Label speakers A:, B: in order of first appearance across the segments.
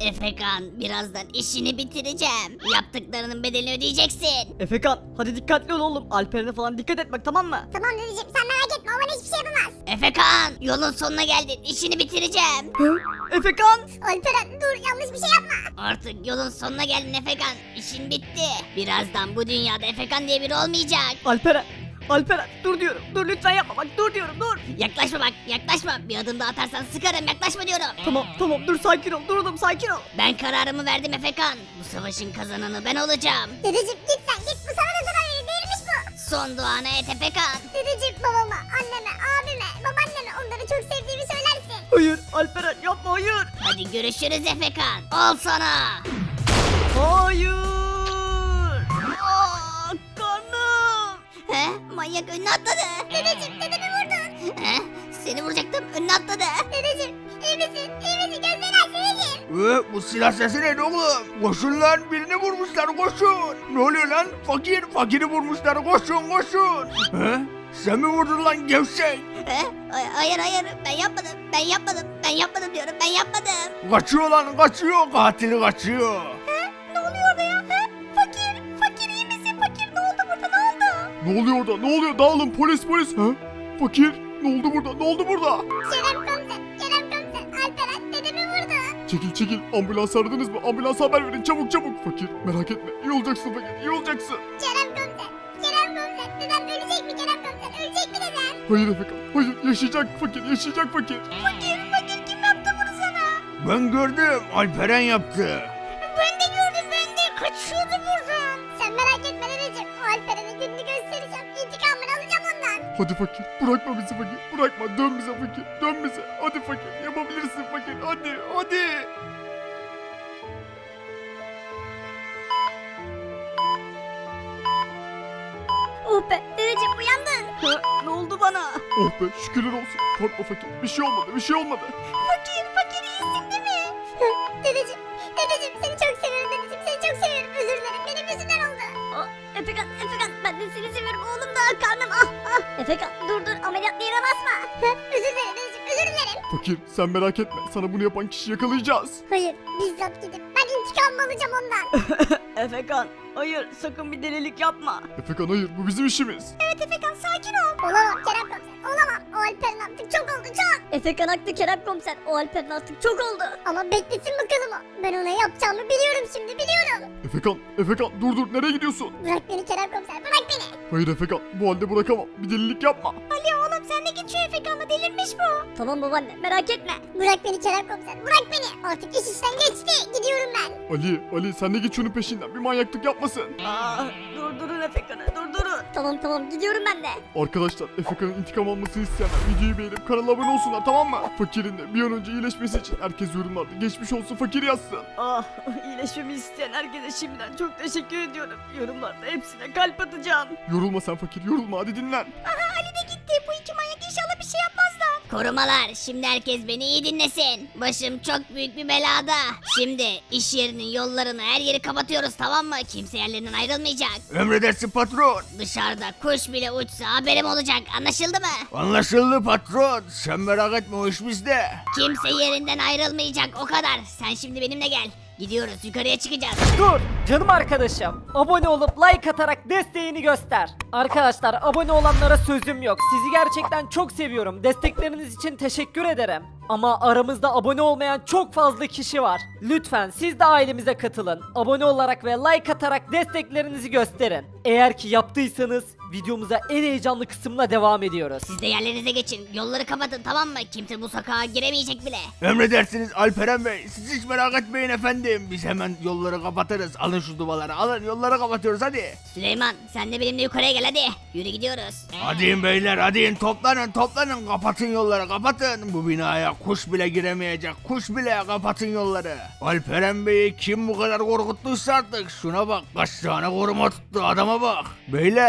A: Efekan, birazdan işini bitireceğim. Yaptıklarının bedelini ödeyeceksin.
B: Efekan hadi dikkatli ol oğlum. Alperen'e falan dikkat et bak, tamam mı?
C: Tamam dedeciğim, sen merak etme, o bana hiçbir şey yapamaz.
A: Efekan, yolun sonuna geldin. İşini bitireceğim.
B: Efekan.
C: Alperen dur, yanlış bir şey yapma.
A: Artık yolun sonuna geldin Efekan. İşin bitti. Birazdan bu dünyada Efekan diye biri olmayacak.
B: Alperen dur diyorum. Dur lütfen yapma bak, dur diyorum, dur.
A: Yaklaşma bak, yaklaşma. Bir adım daha atarsan sıkarım, yaklaşma diyorum.
B: Tamam dur, sakin ol. Dur oğlum, sakin ol.
A: Ben kararımı verdim Efekan. Bu savaşın kazananı ben olacağım.
C: Dedeciğim git sen git, bu sana da zarar verir, değilmiş bu.
A: Son duanı et Efekan.
C: Dedeciğim babama, anneme, abime, babaanneme onları çok sevdiğimi söylersin.
B: Hayır Alperen, yapma, hayır.
A: Hadi görüşürüz Efekan. Al sana.
B: Hayır. Karnım.
A: He? Manyak önüne atladı.
C: Dedeciğim dedemi vurdun.
A: He? Seni vuracaktım, önüne atladı.
C: Dedeciğim iyi misin? İyi misin? Gözlerini aç dedeciğim.
D: Bu silah sesi neydi oğlum? Koşun lan, birini vurmuşlar, koşun. Ne oluyor lan? Fakiri vurmuşlar, koşun. He? Sen mi vurdun lan gevşek?
A: He? Hayır ben yapmadım diyorum, ben yapmadım.
D: Kaçıyor lan, kaçıyor, katili kaçıyor.
C: Ne oluyor orada ya? Fakir iyi misin? Fakir ne oldu burada, ne oldu?
D: Ne oluyor orada? Ne oluyor? Dağılın, polis. He? Fakir, ne oldu burada?
C: Kerem komiser, Alperen dedemi vurdu.
D: Çekil, ambulans aradınız mı? Ambulans haber verin, çabuk. Fakir, merak etme, iyi olacaksın fakir, iyi olacaksın.
C: Kerem komiser, dedem ölecek mi Kerem komiser? Ölecek mi dedem?
D: Hayır Efekan, hayır, yaşayacak fakir.
C: Fakir kim yaptı bunu sana?
D: Ben gördüm, Alperen yaptı.
C: Ben de gördüm, kaçıyordu buradan. Sen merak etme dedeciğim, o Alperen'e gününü göstereceğim. İntikamını alacağım ondan.
D: Hadi fakir, bırakma bizi fakir, bırakma, dön bize fakir, dön bize. Hadi fakir, yapabilirsin fakir, hadi.
C: Oh be dedeciğim, uyandın.
B: Ne oldu bana?
D: Oh be, şükürler olsun. Korkma fakir, bir şey olmadı.
C: Fakir iyisin değil mi? dedeciğim seni çok seviyorum dedeciğim, seni çok seviyorum. Özür dilerim, benim yüzümden oldu. Efekan ben de seni seviyorum oğlum da, karnım Efekan dur ameliyat yere basma. Özür dilerim dedeciğim, özür dilerim.
D: Fakir, sen merak etme, sana bunu yapan kişiyi yakalayacağız.
C: Hayır, bizzat gidip ben intikamımı alacağım ondan.
B: Efekan hayır, sakın bir delilik yapma.
D: Efekan hayır, bu bizim işimiz.
C: Evet Efekan, sakin ol. Olamam Kerem komiser, olamam. O Alperen artık çok oldu, çok.
E: Efekan haklı Kerem komiser. O Alperen artık çok oldu.
C: Ama beklesin bakalım o. Ben ona yapacağımı biliyorum şimdi, biliyorum.
D: Efekan dur, nereye gidiyorsun?
C: Bırak beni Kerem komiser, bırak beni.
D: Hayır Efekan, bu halde bırakamam, bir delilik yapma.
C: Ali oğlum, sen de git şu Efekan'la, delirmiş bu.
E: Tamam babaanne merak etme.
C: Bırak beni Kerem komiser, bırak beni. Artık iş işten geçti, gidiyorum ben.
D: Ali sen de git şunun peşinden, bir manyaklık yapmasın.
B: Durdurun Efekan'ı, durdurun.
E: Tamam gidiyorum ben de.
D: Arkadaşlar, Efekan'ın intikam almasını isteyenler videoyu beğenip kanala abone olsunlar, tamam mı? Fakirin de bir an önce iyileşmesi için herkes yorumlarda geçmiş olsun fakir yazsın.
B: İyileşmemi isteyen herkese şimdiden çok teşekkür ediyorum. Yorumlarda hepsine kalp atacağım.
D: Yorulma sen fakir, yorulma, hadi dinlen.
C: Ali de gitti, bu iki manyak inşallah bir şey yapmazlar.
A: Korumalar, şimdi herkes beni iyi dinlesin. Başım çok büyük bir belada. Şimdi iş yerinin yollarını, her yeri kapatıyoruz, tamam mı? Kimse yerlerinden ayrılmayacak.
D: Emredersin patron.
A: Dışarıda kuş bile uçsa haberim olacak, anlaşıldı mı?
D: Anlaşıldı patron, sen merak etme, o iş bizde.
A: Kimse yerinden ayrılmayacak, o kadar. Sen şimdi benimle gel. Gidiyoruz, yukarıya çıkacağız.
F: Dur canım arkadaşım. Abone olup like atarak desteğini göster. Arkadaşlar, abone olanlara sözüm yok. Sizi gerçekten çok seviyorum. Destekleriniz için teşekkür ederim. Ama aramızda abone olmayan çok fazla kişi var. Lütfen siz de ailemize katılın. Abone olarak ve like atarak desteklerinizi gösterin. Eğer ki yaptıysanız videomuza en heyecanlı kısımla devam ediyoruz.
A: Siz de yerlerinize geçin, yolları kapatın, tamam mı? Kimse bu sokağa giremeyecek bile.
D: Emredersiniz Alperen Bey, siz hiç merak etmeyin efendim. Biz hemen yolları kapatırız. Alın şu duvarları, alın, yolları kapatıyoruz hadi.
A: Süleyman, sen de benimle yukarıya gel hadi. Yürü, gidiyoruz.
D: Hadi beyler, hadi toplanın, kapatın yolları, kapatın. Bu binaya kuş bile giremeyecek, kuş bile, kapatın yolları. Alperen Bey'i kim bu kadar korkuttuysa artık, şuna bak, kaç tane koruma tuttu, adama bak. Beyler, benim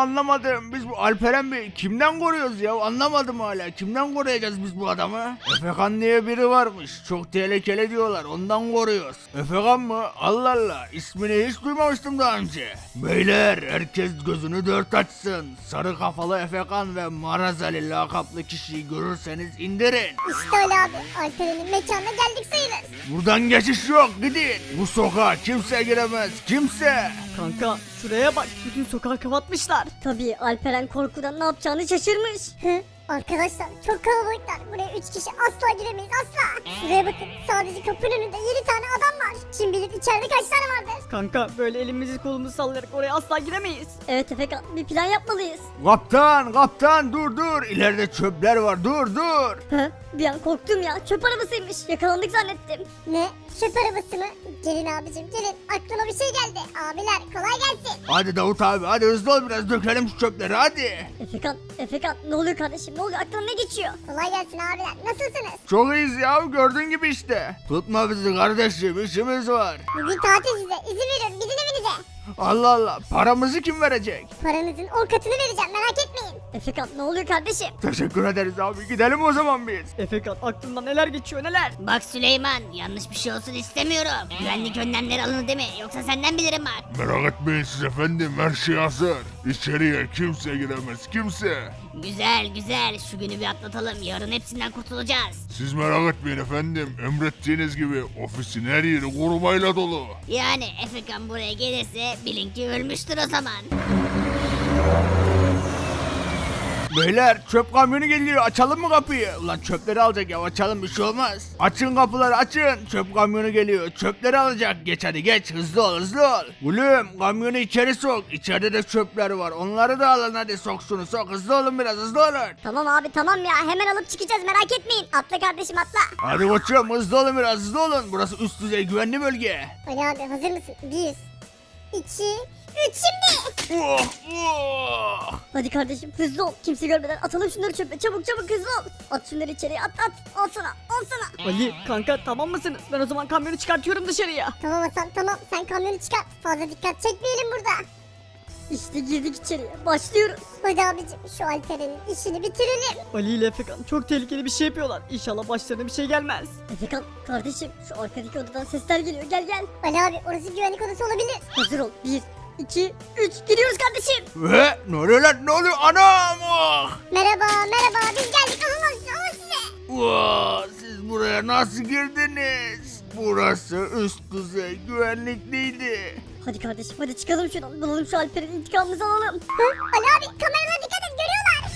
D: anlamadım. Biz bu Alperen Bey kimden koruyoruz ya? Anlamadım hala. Kimden koruyacağız biz bu adamı? Efekan diye biri varmış. Çok tehlikeli diyorlar. Ondan koruyoruz. Efekan mı? Allah Allah. İsmini hiç duymamıştım daha önce. Beyler herkes gözünü dört açsın. Sarı kafalı Efekan ve Marazali lakaplı kişiyi görürseniz indirin.
C: İşte Ali abi. Alperen'in mekanına geldik sayılır.
D: Buradan geçiş yok. Gidin. Bu sokağa kimse giremez. Kimse.
B: Kanka şuraya bak. Bütün sokağı kapatmışlar.
E: Tabii Alperen korkudan ne yapacağını şaşırmış.
C: Hı? Arkadaşlar çok kalabalıklar. Buraya 3 kişi asla giremeyiz asla. Şuraya bakın. Sadece kapının önünde 7 tane adam var. Kim bilir içeride kaç tane vardır.
B: Kanka böyle elimizi kolumuzu sallayarak oraya asla giremeyiz.
E: Evet Efekan bir plan yapmalıyız.
D: Kaptan dur. İleride çöpler var. Dur.
E: Hı? Bir an korktum ya çöp arabasıymış yakalandık zannettim.
C: Ne? Çöp arabası mı? Gelin abicim gelin. Aklıma bir şey geldi. Abiler kolay gelsin.
D: Hadi Davut abi hadi hızlı ol biraz dökelim şu çöpleri hadi.
E: Efekan ne oluyor kardeşim ne oluyor aklına ne geçiyor?
C: Kolay gelsin abiler. Nasılsınız?
D: Çok iyiyiz ya gördüğün gibi işte. Tutma bizi kardeşim işimiz var.
C: Bugün tatil size. İzin veriyorum. Gidin evinize.
D: Allah Allah paramızı kim verecek?
C: Paranızın 10 katını vereceğim. Merak etmeyin.
E: Efekan ne oluyor kardeşim?
D: Teşekkür ederiz abi gidelim o zaman biz.
B: Efekan aklından neler geçiyor neler.
A: Bak Süleyman yanlış bir şey olsun istemiyorum. Güvenlik önlemleri alınır değil mi? Yoksa senden bilirim bak.
G: Merak etmeyin siz efendim her şey hazır. İçeriye kimse giremez kimse.
A: Güzel şu günü bir atlatalım. Yarın hepsinden kurtulacağız.
G: Siz merak etmeyin efendim emrettiğiniz gibi ofisin her yeri korumayla dolu.
A: Yani Efekan buraya gelirse bilin ki ölmüştür o zaman.
D: Beyler çöp kamyonu geliyor açalım mı kapıyı? Ulan çöpleri alacak ya açalım bir şey olmaz. Açın kapıları açın çöp kamyonu geliyor çöpleri alacak geç hadi geç hızlı ol. Gülüm kamyonu içeri sok içeride de çöpler var onları da alın hadi sok şunu sok hızlı olun biraz hızlı olun.
C: Tamam abi tamam ya. Hemen alıp çıkacağız. Merak etmeyin. Atla kardeşim atla.
D: Hadi koçum hızlı olun biraz hızlı olun burası üst düzey güvenli bölge.
C: Ali abi hazır mısın? 1, 2, 3 şimdi.
D: Oh.
E: Hadi kardeşim hızlı ol kimse görmeden atalım şunları çöpe çabuk hızlı ol. At şunları içeriye at al sana.
B: Ali kanka tamam mısınız? Ben o zaman kamyonu çıkartıyorum dışarıya.
C: Tamam Hasan tamam. Sen kamyonu çıkart. Fazla dikkat çekmeyelim burada.
E: İşte girdik içeriye başlıyoruz.
C: Hadi abicim şu Alperen'in işini bitirelim.
B: Ali ile Efekan çok tehlikeli bir şey yapıyorlar. İnşallah başlarına bir şey gelmez.
E: Efekan kardeşim şu arkadaki odadan sesler geliyor gel.
C: Ali abi orası güvenlik odası olabilir.
E: Hazır ol 1, 2, 3 gidiyoruz kardeşim.
D: Ve ne oluyor lan ne oluyor anam oh.
C: Merhaba biz geldik. Alın size.
D: Wow, siz buraya nasıl girdiniz? Burası üst düzey güvenlikliydi.
E: Hadi kardeşim hadi çıkalım şuradan bulalım şu Alper'in intikamımızı alalım.
C: Hı? Ali abi kameralara dikkat et görüyorlar.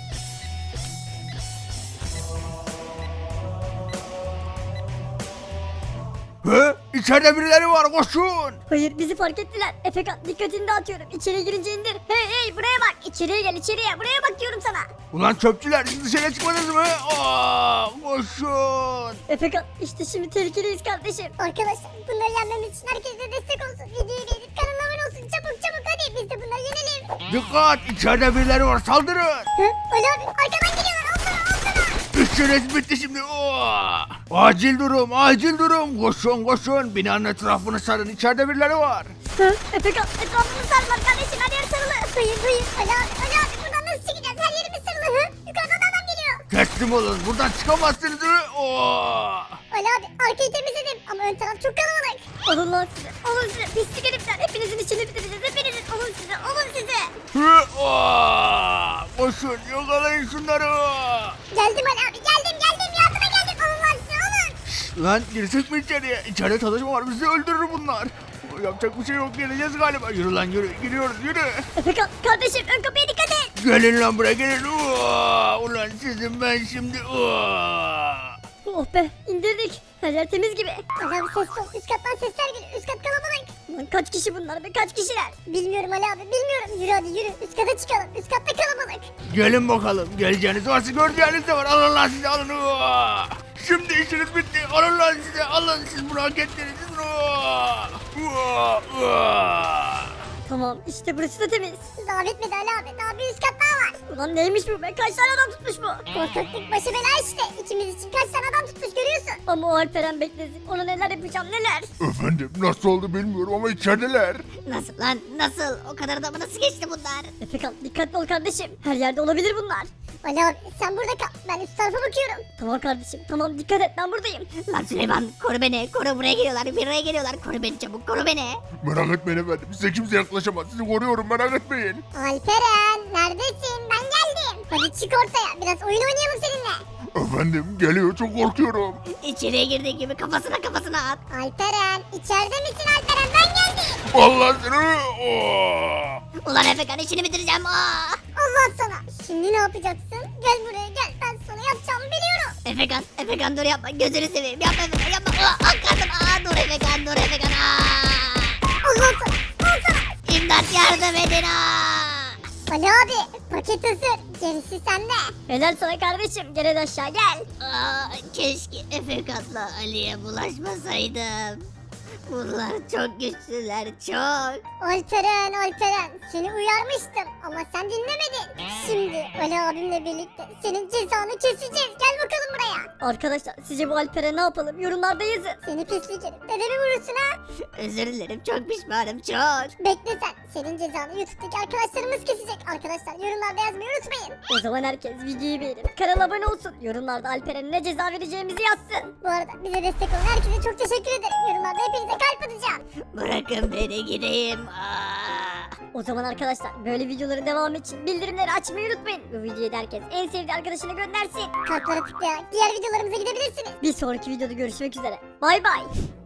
D: He? İçeride birileri var koşun.
E: Hayır bizi fark ettiler. Efekan dikkatini dağıtıyorum. İçeriye girince indir. Hey buraya bak. İçeriye gel içeriye. Buraya bak diyorum sana.
D: Ulan çöpçüler siz dışarı çıkmadınız mı? Aa, koşun.
E: Efekan işte şimdi tehlikeliyiz kardeşim.
C: Arkadaşlar bunları yenmemiz için herkes de destek olsun. Videoyu beğenip kanala abone olsun. Çabuk hadi biz de bunları yenelim.
D: Dikkat içeride birileri var saldırın.
C: Hı? Ali abi arkadan geliyorlar. Al sana.
D: İşiniz bitti şimdi. Oo. Acil durum. Koşun. Binanın etrafını sarın. İçeride birileri var.
E: Hı? Efekan etrafını sarma kardeşim. Her yer sarılı.
C: Hayır. Ali abi buradan nasıl çıkacağız? Her yerimiz sarılı. Hı? Yukarıdan da adam geliyor.
D: Teslim olun. Buradan çıkamazsınız. Oo.
C: Ali abi arkayı temizledim ama ön taraf çok kalabalık.
E: Alın lan size. Alın size. Pislik herifler. Hepinizin içini bitireceğiz. Hepinizin. Alın size.
D: Hı, oo. Koşun yakalayın şunları.
C: Geldim Ali abi geldim yardıma geldim. Alın lan size alın.
D: Lan girsek mi içeriye? İçeride çalışma var bizi öldürür bunlar. Yapacak bir şey yok geleceğiz galiba. Yürü lan yürü gidiyoruz yürü.
E: Efekan kardeşim ön kapıya dikkat et.
D: Gelin lan buraya gelin. Oo. Ulan sizin ben şimdi. Oo.
E: Oh be indirdik. Her yer temiz gibi.
C: Ali abi ses ol. Üst kattan sesler geliyor. Üst kat kalabalık.
E: Lan kaç kişi bunlar be kaç kişiler?
C: Bilmiyorum Ali abi bilmiyorum. Yürü hadi yürü. Üst kata çıkalım. Üst katta kalabalık.
D: Gelin bakalım. Geleceğiniz varsa göreceğiniz de var. Alın lan size alın. Oo. Şimdi işiniz bitti. Alın lan size. Alın siz bunu hak ettiniz.
E: Tamam işte burası da temiz.
C: Daha bitmedi Ali abi. Daha bir üst kat daha var.
E: Ulan neymiş bu be? Kaç tane adam tutmuş bu?
C: Korkaklık başı bela işte. İkimiz için kaç tane adam tutmuş görüyorsun.
E: Ama o Alperen beklesin. Ona neler yapacağım neler.
G: Efendim nasıl oldu bilmiyorum ama içerideler.
A: Nasıl lan nasıl? O kadar adamı nasıl geçti bunlar?
E: Efekan dikkatli ol kardeşim. Her yerde olabilir bunlar.
C: Ali abi sen burada kal. Ben üst tarafa bakıyorum.
E: Tamam kardeşim tamam dikkat et ben buradayım.
A: Lan Süleyman koru beni. Koru buraya geliyorlar. Buraya geliyorlar. Koru beni çabuk. Koru beni.
G: Merak etmeyin efendim size kimse yaklaşamaz. Sizi koruyorum merak etmeyin.
C: Alperen neredesin? Ben geldim. Hadi çık ortaya. Biraz oyun oynayalım seninle.
G: Efendim geliyor çok korkuyorum.
A: İçeriye girdiği gibi kafasına at.
C: Alperen içeride misin Alperen? Ben geldim.
G: Allah seni. Oo!
A: Ulan Efekan işini bitireceğim.
C: Allah sana. Şimdi ne yapacaksın? Gel buraya gel. Ben sana yapacağımı biliyorum.
A: Efekan dur yapma. Gözünü seveyim. Yapma Efekan yapma. Kardım. Dur Efekan.
C: Allah sana. Al sana.
A: İmdat yardım edin.
C: Ali abi paket hazır. Gerisi sende.
E: Helal sana kardeşim. Gel hadi aşağı gel.
A: Keşke Efekan'la Ali'ye bulaşmasaydım. Bunlar çok güçlüler çok.
C: Alperen seni uyarmıştım ama sen dinlemedin. Şimdi Ali abimle birlikte senin cezanı keseceğiz. Gel bakalım buraya.
E: Arkadaşlar sizce bu Alper'e ne yapalım? Yorumlarda yazın.
C: Seni pislik herif. Dedemi vurursun ha.
A: Özür dilerim çok pişmanım çok.
C: Bekle sen. Senin cezanı YouTube'daki arkadaşlarımız kesecek. Arkadaşlar yorumlarda yazmayı unutmayın.
E: O zaman herkes videoyu beğenip kanala abone olsun. Yorumlarda Alper'e ne ceza vereceğimizi yazsın.
C: Bu arada bize destek olan herkese çok teşekkür ederim. Yorumlarda hepinize kalp atacağım.
A: Bırakın beni gideyim.
E: O zaman arkadaşlar böyle videoların devamı için bildirimleri açmayı unutmayın. Bu videoyu da herkes en sevdiği arkadaşına göndersin.
C: Kalplara tıklayarak diğer videolarımıza gidebilirsiniz.
E: Bir sonraki videoda görüşmek üzere. Bay bay.